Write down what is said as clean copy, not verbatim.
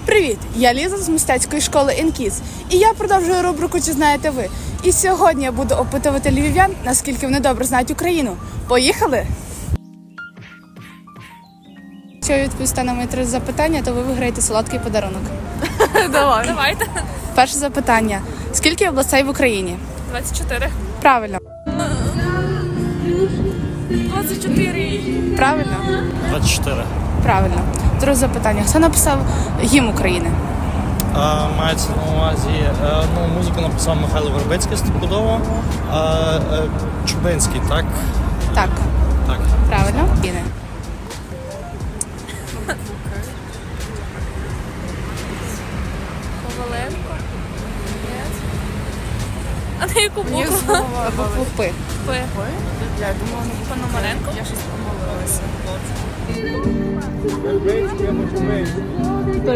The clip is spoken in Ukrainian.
Привіт! Я Ліза з мистецької школи «Інкіз». І я продовжую рубрику «Чи знаєте ви?». І сьогодні я буду опитувати львів'ян, наскільки вони добре знають Україну. Поїхали! Якщо ви відповісте на мої 3 запитання, то ви виграєте солодкий подарунок. Давайте. Перше запитання. Скільки областей в Україні? 24. Правильно. 24. Правильно? 24. Правильно. Друге запитання. Хто написав гімн України? Мається на увазі, музику написав Михайло Вербицький стопудово, Чубинський, так? Так. Так. Правильно. Коваленко. А на яку букву? Букву П. П. Пономаренко? Я щось помилилася.